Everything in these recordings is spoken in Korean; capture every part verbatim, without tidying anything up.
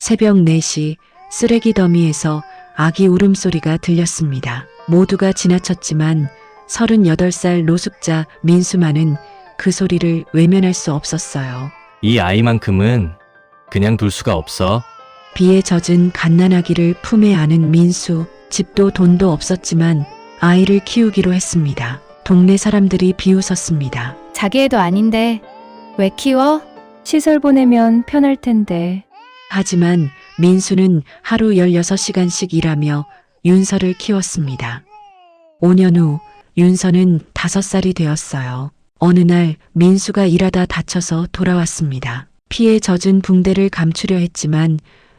새벽 네 시 쓰레기 더미에서 아기 울음소리가 들렸습니다. 모두가 지나쳤지만 서른여덟 살 노숙자 민수만은 그 소리를 외면할 수 없었어요. 이 아이만큼은 그냥 둘 수가 없어. 비에 젖은 갓난아기를 품에 안은 민수. 집도 돈도 없었지만 아이를 키우기로 했습니다. 동네 사람들이 비웃었습니다. 자기 애도 아닌데 왜 키워? 시설 보내면 편할 텐데. 하지만 민수는 하루 열여섯 시간씩 일하며 윤서를 키웠습니다. 오 년 후 윤서는 다섯 살이 되었어요. 어느 날 민수가 일하다 다쳐서 돌아왔습니다. 피에 젖은 붕대를 감추려 했지만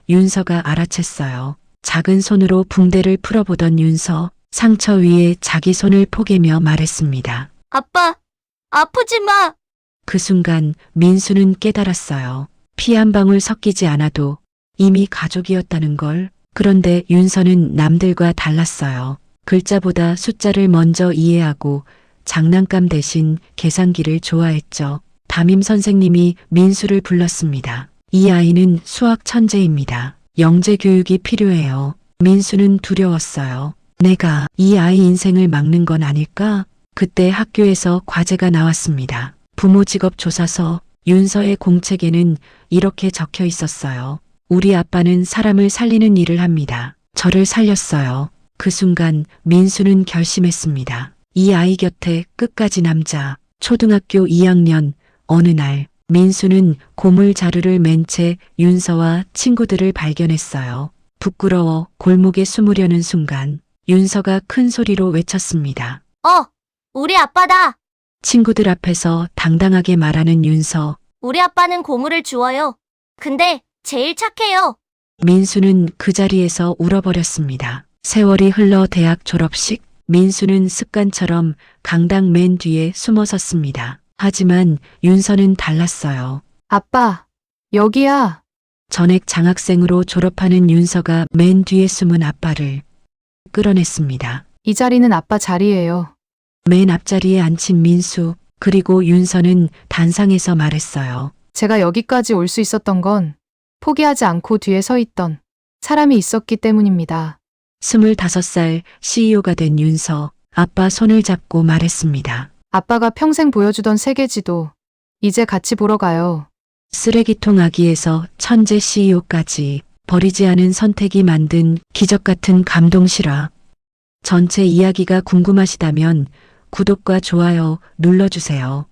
윤서가 알아챘어요. 작은 손으로 붕대를 풀어보던 윤서, 상처 위에 자기 손을 포개며 말했습니다. 아빠, 아프지 마. 그 순간 민수는 깨달았어요. 피 한 방울 섞이지 않아도 이미 가족이었다는 걸. 그런데 윤서는 남들과 달랐어요. 글자보다 숫자를 먼저 이해하고 장난감 대신 계산기를 좋아했죠. 담임 선생님이 민수를 불렀습니다. 이 아이는 수학 천재입니다. 영재 교육이 필요해요. 민수는 두려웠어요. 내가 이 아이 인생을 막는 건 아닐까? 그때 학교에서 과제가 나왔습니다. 부모 직업 조사서. 윤서의 공책에는 이렇게 적혀 있었어요. 우리 아빠는 사람을 살리는 일을 합니다. 저를 살렸어요. 그 순간 민수는 결심했습니다. 이 아이 곁에 끝까지 남자. 초등학교 이 학년 어느 날 민수는 고물 자루를 맨 채 윤서와 친구들을 발견했어요. 부끄러워 골목에 숨으려는 순간 윤서가 큰 소리로 외쳤습니다. 어, 우리 아빠다. 친구들 앞에서 당당하게 말하는 윤서. 우리 아빠는 고물을 주워요. 근데 제일 착해요. 민수는 그 자리에서 울어버렸습니다. 세월이 흘러 대학 졸업식. 민수는 습관처럼 강당 맨 뒤에 숨어 섰습니다. 하지만 윤서는 달랐어요. 아빠, 여기야. 전액 장학생으로 졸업하는 윤서가 맨 뒤에 숨은 아빠를 끌어냈습니다. 이 자리는 아빠 자리예요. 맨 앞자리에 앉힌 민수. 그리고 윤서는 단상에서 말했어요. 제가 여기까지 올 수 있었던 건 포기하지 않고 뒤에 서 있던 사람이 있었기 때문입니다. 스물다섯 살 씨이오가 된 윤서. 아빠 손을 잡고 말했습니다. 아빠가 평생 보여주던 세계지도 이제 같이 보러 가요. 쓰레기통 아기에서 천재 씨이오까지 버리지 않은 선택이 만든 기적 같은 감동 실화. 전체 이야기가 궁금하시다면 구독과 좋아요 눌러주세요.